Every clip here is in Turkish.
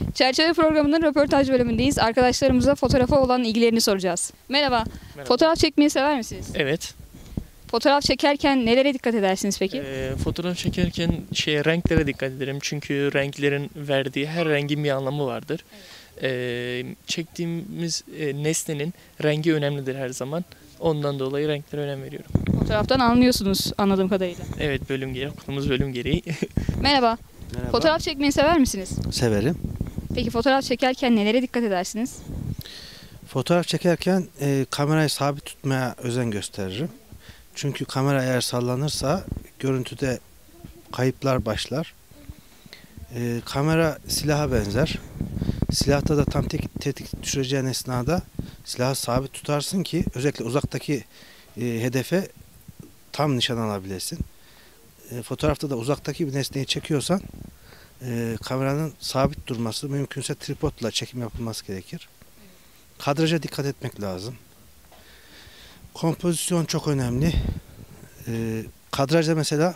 Çerçeve programının röportaj bölümündeyiz. Arkadaşlarımıza fotoğrafa olan ilgilerini soracağız. Merhaba. Fotoğraf çekmeyi sever misiniz? Evet. Fotoğraf çekerken nelere dikkat edersiniz peki? Fotoğraf çekerken renklere dikkat ederim. Çünkü renklerin verdiği her rengin bir anlamı vardır. Çektiğimiz nesnenin rengi önemlidir her zaman. Ondan dolayı renklere önem veriyorum. Fotoğraftan anlıyorsunuz anladığım kadarıyla. Evet, okuduğumuz bölüm gereği. Merhaba. Merhaba. Fotoğraf çekmeyi sever misiniz? Severim. Peki fotoğraf çekerken nelere dikkat edersiniz? Fotoğraf çekerken kamerayı sabit tutmaya özen gösteririm. Çünkü kamera eğer sallanırsa görüntüde kayıplar başlar. Kamera silaha benzer. Silahta da tam tetik düşüreceğin esnada silahı sabit tutarsın ki özellikle uzaktaki hedefe tam nişan alabilesin. Fotoğrafta da uzaktaki bir nesneyi çekiyorsan kameranın sabit durması, mümkünse tripodla çekim yapılması gerekir. Kadraja dikkat etmek lazım. Kompozisyon çok önemli. Kadrajda mesela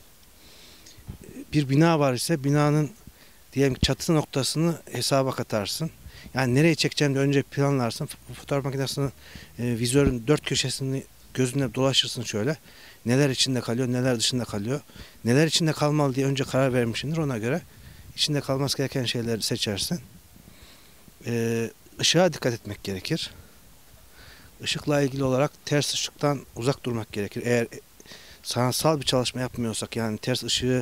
bir bina var ise binanın diyelim ki çatı noktasını hesaba katarsın. Yani nereye çekeceğini önce planlarsın. Fotoğraf makinesinin vizörün dört köşesini gözünde dolaşırsın şöyle. Neler içinde kalıyor, neler dışında kalıyor. Neler içinde kalmalı diye önce karar vermişsindir. Ona göre içinde kalması gereken şeyleri seçersin. Işığa dikkat etmek gerekir. Işıkla ilgili olarak ters ışıktan uzak durmak gerekir. Eğer sanatsal bir çalışma yapmıyorsak, yani ters ışığı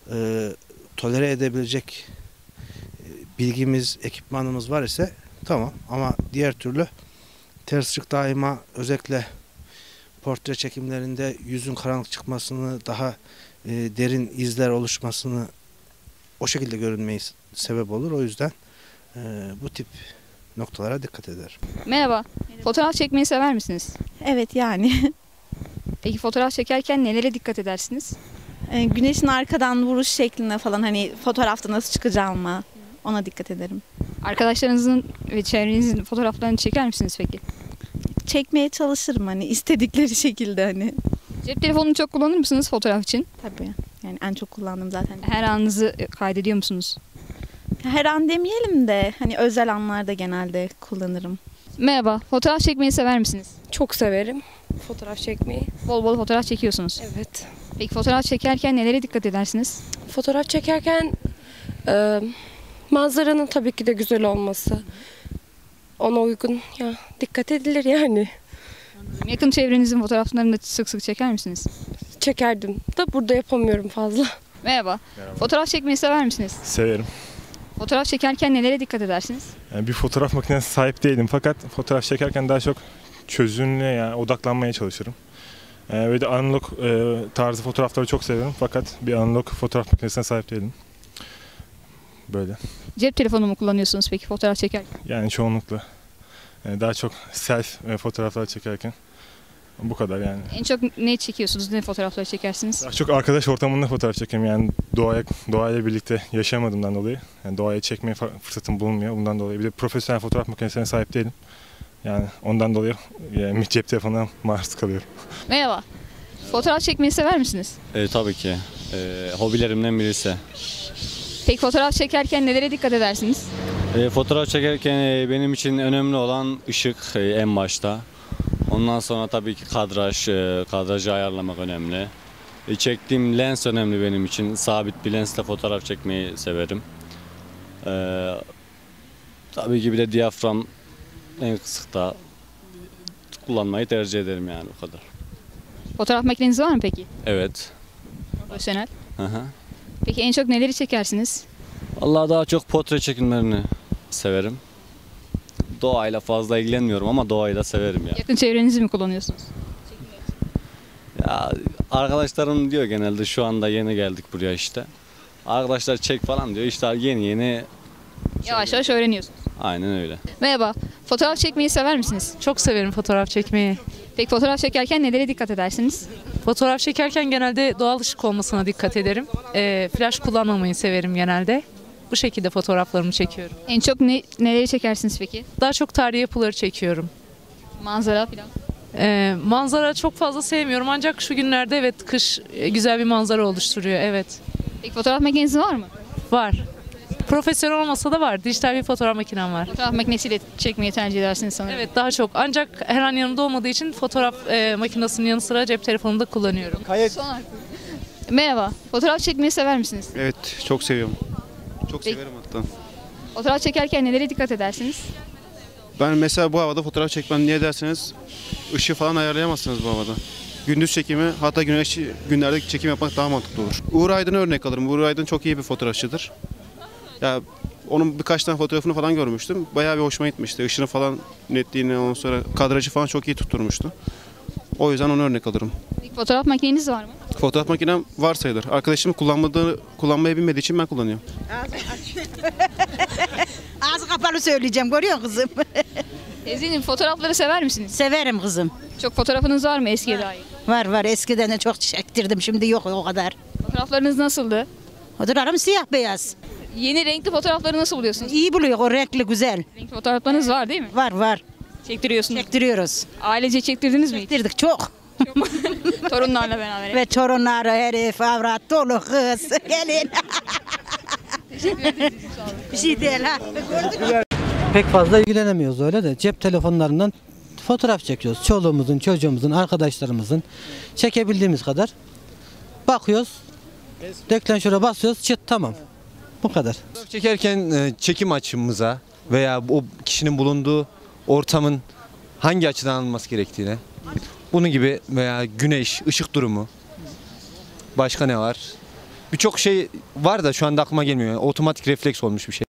tolere edebilecek bilgimiz, ekipmanımız var ise tamam, ama diğer türlü ters ışık daima, özellikle portre çekimlerinde yüzün karanlık çıkmasını, daha derin izler oluşmasını, o şekilde görünmeyi sebep olur. O yüzden bu tip noktalara dikkat eder. Merhaba. Fotoğraf çekmeyi sever misiniz? Evet yani. Peki fotoğraf çekerken nelere dikkat edersiniz? Güneşin arkadan vuruş şekline falan, hani fotoğrafta nasıl çıkacağıma ona dikkat ederim. Arkadaşlarınızın ve çevrenizin fotoğraflarını çeker misiniz peki? Çekmeye çalışırım hani istedikleri şekilde hani. Cep telefonunu çok kullanır mısınız fotoğraf için? Tabii. Yani en çok kullandığım zaten. Her anınızı kaydediyor musunuz? Her an demeyelim de hani özel anlarda genelde kullanırım. Merhaba. Fotoğraf çekmeyi sever misiniz? Çok severim fotoğraf çekmeyi. Bol bol fotoğraf çekiyorsunuz. Evet. Peki fotoğraf çekerken nelere dikkat edersiniz? Fotoğraf çekerken manzaranın tabii ki de güzel olması. Ona uygun ya dikkat edilir yani. Yakın çevrenizin fotoğraflarını da sık sık çeker misiniz? Çekerdim da burada yapamıyorum fazla. Merhaba. Merhaba. Fotoğraf çekmeyi sever misiniz? Severim. Fotoğraf çekerken nelere dikkat edersiniz? Yani bir fotoğraf makinesi sahip değilim, fakat fotoğraf çekerken daha çok çözünürlüğe, yani odaklanmaya çalışırım. Ve de analog tarzı fotoğrafları çok severim, fakat bir analog fotoğraf makinesine sahip değilim. Böyle. Cep telefonu mu kullanıyorsunuz peki fotoğraf çekerken? Yani çoğunlukla. Daha çok self fotoğraflar çekerken. Bu kadar yani. En çok ne çekiyorsunuz? Ne fotoğrafları çekersiniz? Daha çok arkadaş ortamında fotoğraf çekiyorum, yani doğayla birlikte yaşamadığımdan dolayı. Yani doğaya çekmeye fırsatım bulunmuyor, bundan dolayı. Bir de profesyonel fotoğraf makinesine sahip değilim. Yani ondan dolayı yani cep telefonuna maruz kalıyorum. Merhaba. Fotoğraf çekmeyi sever misiniz? Tabii ki. Hobilerimden birisi. Peki fotoğraf çekerken nelere dikkat edersiniz? Fotoğraf çekerken benim için önemli olan ışık en başta. Ondan sonra tabii ki kadrajı ayarlamak önemli. Çektiğim lens önemli benim için. Sabit bir lensle fotoğraf çekmeyi severim. Tabii ki bir de diyafram en kısıkta kullanmayı tercih ederim, yani o kadar. Fotoğraf makineniz var mı peki? Evet. Profesyonel. Hı hı. Peki en çok neleri çekersiniz? Vallahi daha çok portre çekimlerini severim. Doğayla fazla ilgilenmiyorum ama doğayı da severim ya. Yakın çevrenizi mi kullanıyorsunuz? Ya arkadaşlarım diyor genelde, şu anda yeni geldik buraya işte. Arkadaşlar çek falan diyor, işte yeni. Yavaş yavaş öğreniyorsunuz. Aynen öyle. Merhaba. Fotoğraf çekmeyi sever misiniz? Çok severim fotoğraf çekmeyi. Peki fotoğraf çekerken nelere dikkat edersiniz? Fotoğraf çekerken genelde doğal ışık olmasına dikkat ederim. Flash kullanmamayı severim genelde. Bu şekilde fotoğraflarımı çekiyorum. En çok neleri çekersiniz peki? Daha çok tarihi yapıları çekiyorum. Manzara falan. Manzara çok fazla sevmiyorum, ancak şu günlerde evet, kış güzel bir manzara oluşturuyor, evet. Peki fotoğraf makineniz var mı? Var. Profesyonel olmasa da var. Dijital bir fotoğraf makinem var. Fotoğraf makinesiyle çekmeyi tercih edersiniz sanırım. Evet, daha çok. Ancak her an yanımda olmadığı için fotoğraf makinesinin yanı sıra cep telefonumu da kullanıyorum. Son hakkı. Merhaba. Fotoğraf çekmeyi sever misiniz? Evet, çok seviyorum. Çok Peki. severim hatta. Fotoğraf çekerken nelere dikkat edersiniz? Ben mesela bu havada fotoğraf çekmem niye derseniz ışığı falan ayarlayamazsınız bu havada. Gündüz çekimi, hatta güneşli günlerde çekim yapmak daha mantıklı olur. Uğur Aydın'ı örnek alırım. Uğur Aydın çok iyi bir fotoğrafçıdır. Ya onun birkaç tane fotoğrafını falan görmüştüm. Bayağı bir hoşuma gitmişti. Işını falan netliğini, ondan sonra kadrajı falan çok iyi tutturmuştu. O yüzden onu örnek alırım. İlk fotoğraf makineniz var mı? Fotoğraf makinem var sayılır. Arkadaşım kullanmayı bilmediği için ben kullanıyorum. Ağzı kapalı söyleyeceğim, görüyor musun kızım? Teyzeciğim, fotoğrafları sever misiniz? Severim kızım. Çok fotoğrafınız var mı eskiye dair? Var eskiden de çok çektirdim, şimdi yok o kadar. Fotoğraflarınız nasıldı? Fotoğrafım siyah beyaz. Yeni renkli fotoğrafları nasıl buluyorsunuz? İyi buluyor, o renkli güzel. Renkli fotoğraflarınız var değil mi? Var. Çektiriyorsunuz. Çektiriyoruz. Ailece çektirdiniz mi hiç? Çektirdik çok. Torunlarla beraber. Ve torunları, herif, avrat, dolu kız. Gelin. Bir şey değil ha. Pek fazla ilgilenemiyoruz öyle de cep telefonlarından fotoğraf çekiyoruz. Çoluğumuzun, çocuğumuzun, arkadaşlarımızın çekebildiğimiz kadar bakıyoruz. Deklanşöre basıyoruz, çıt tamam. Bu kadar. Fotoğraf çekerken çekim açımıza veya o kişinin bulunduğu ortamın hangi açıdan alınması gerektiğine, bunun gibi veya güneş, ışık durumu, başka ne var? Birçok şey var da şu anda aklıma gelmiyor. Otomatik refleks olmuş bir şey.